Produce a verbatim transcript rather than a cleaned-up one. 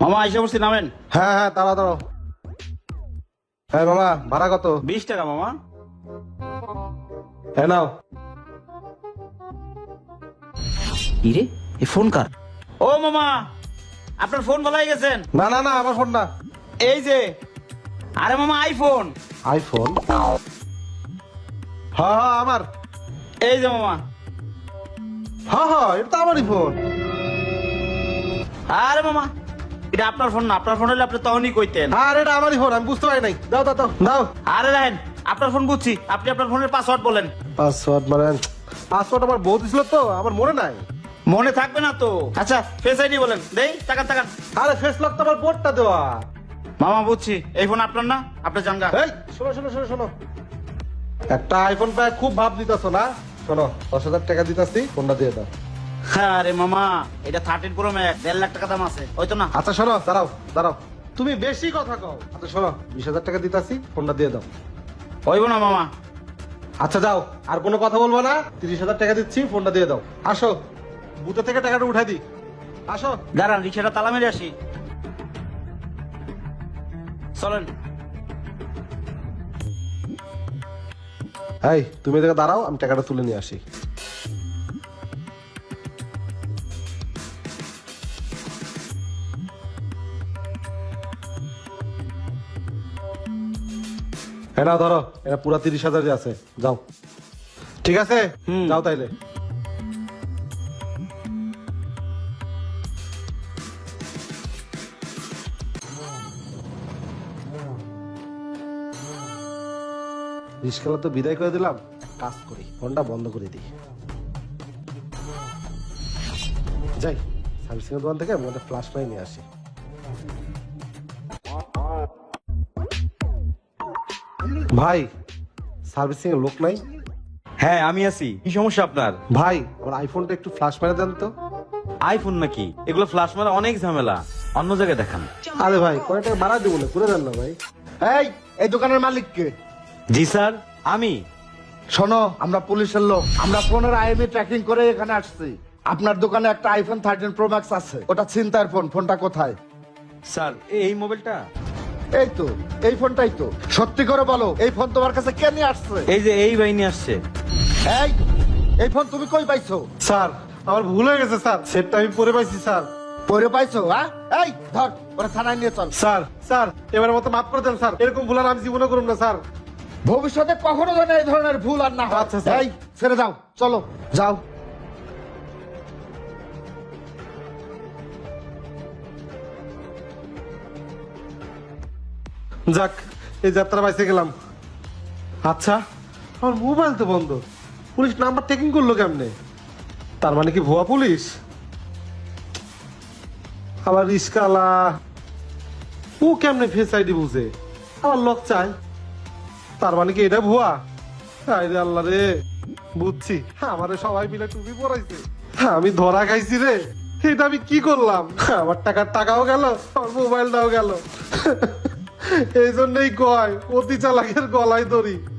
মামা আইসা বসছি, নামেন। হ্যাঁ হ্যাঁ দাঁড়াও দাঁড়াও। হ্যাঁ মামা ভাড়া কত? বিশ টাকা মামা। হ্যাঁ নাও। ইরে এই ফোন কার? ও মামা, আপনার ফোন বলাই গেছেন। না না না আমার ফোন না। এই যে, আরে মামা আইফোন। আইফোন? হ্যাঁ হ্যাঁ আমার। এই যে মামা। হ্যাঁ হ্যাঁ এটা তো আমারই ফোন। আরে মামা, এটা আপনার ফোন না, আপনার ফোন হলে আপনি তখনই কইতেন। আর এটা আমারই ফোন, আমি বুঝতে পারি নাই। দাও দাও দাও দাও। আরে দেখেন, আপনার ফোন বুঝছি, আপনি আপনার ফোনের পাসওয়ার্ড বলেন। পাসওয়ার্ড মানে পাসওয়ার্ড আমার বউ দিছিল তো, আমার মনে নাই। মনে থাকবে না তো। আচ্ছা ফেস আইডি বলেন, দেই তাকান তাকান। আরে ফেস লক তো আমার বোর্ডটা দেওয়া। মামা বুঝছি, এই ফোন আপনার না, আপনি জানগা। এই শোনো শোনো শোনো শোনো, একটা আইফোন পায় খুব ভাব দিতেছো না। শোনো, দশ হাজার টাকা দিতেছি, ফোনটা দিয়ে দাও। আরে মামা, এটা থার্টিন প্রো ম্যাক্স, দেড় লাখ টাকা দাম আছে, ওই তো না। আচ্ছা শোনো, দাঁড়াও দাঁড়াও, তুমি বেশি কথা কও। আচ্ছা শোনো, বিশ হাজার টাকা দিতেছি, ফোনটা দিয়ে দাও। হইব না মামা। আচ্ছা যাও, আর কোনো কথা বলবো না। তিরিশ হাজার টাকা দিচ্ছি, ফোনটা দিয়ে দাও। আসো, বুথে থেকে টাকাটা উঠাই দি। আসো। দাঁড়ান, রিক্সাটা তালা মেরে আসি। চলেন। এই তুমি এদিকে দাঁড়াও, আমি টাকাটা তুলে নিয়ে আসি। হ্যাঁ না ধরো, এটা পুরা তিরিশ হাজারই আছে, যাও। ঠিক আছে, হুম। যাও তাইলে। রিস্কালা তো বিদায় করে দিলাম, কাজ করি, ফোনটা বন্ধ করে দিই। যাই সার্ভিসিং এর দোকান থেকে আমি একটা ফ্ল্যাশ লাইট নিয়ে আসি। ভাই, সার্ভিসিং এর লোক নাই? হ্যাঁ আমি আছি, কি সমস্যা আপনার? ভাই আমার আইফোনটা একটু ফ্ল্যাশ মেরে দেন তো। আইফোন নাকি? এগুলো ফ্ল্যাশ মারা অনেক ঝামেলা, অন্য জায়গায় দেখান। আরে ভাই কয় টাকা ভাড়া দেবো না, করে দেন না ভাই। এই এই দোকানের মালিক কে? জি স্যার, আমি। শোনো, আমরা পুলিশের লোক, আমরা ফোনের আইএমই ট্র্যাকিং করে এখানে আসছি। আপনার দোকানে একটা আইফোন থার্টিন প্রো ম্যাক্স আছে, ওটা ছিনতাইয়ের ফোন। ফোনটা কোথায়? স্যার এই মোবাইলটা, এই তো, এই ফোনটাই তো। সত্যি করে বলো, এই ফোন তোমার কাছে কে নিয়ে আসছে? এই যে এই বাহিনী আসছে। এই এই ফোন তুমি কই পাইছো? স্যার আমার ভুল হয়ে গেছে স্যার, সেটটা আমি পরে পাইছি স্যার। পরে পাইছো? হ্যাঁ, এই ধর ওরা থানায় নিয়ে চল। স্যার স্যার এবারের মতো মাফ করে দেন স্যার, এরকম ভুল আর আমি জীবনে করুন না স্যার। ভবিষ্যতে কখনো যেন এই ধরনের ভুল আর না হয়। আচ্ছা, স্যার। এই ছেড়ে দাও, চলো যাও। যাক, এই যাত্রা বাইসে গেলাম। আচ্ছা আমার মোবাইল তো বন্ধ, পুলিশ নাম্বার টেকিং করলো কেমনে? তার মানে কি ভুয়া পুলিশ? আবার রিস্কালা ও কেমনে ফেস আইডি বুঝে আমার লক চাই? তার মানে কি এটা ভুয়া? আরে আল্লাহ রে, বুঝছি, আমারে সবাই মিলে টুপি পরাইছে, আমি ধরা খাইছি রে। এটা আমি কি করলাম? আমার টাকার টাকাও গেল, আমার মোবাইলটাও গেল। এই জন্যই কয় অতি চালাকের গলায় দড়ি।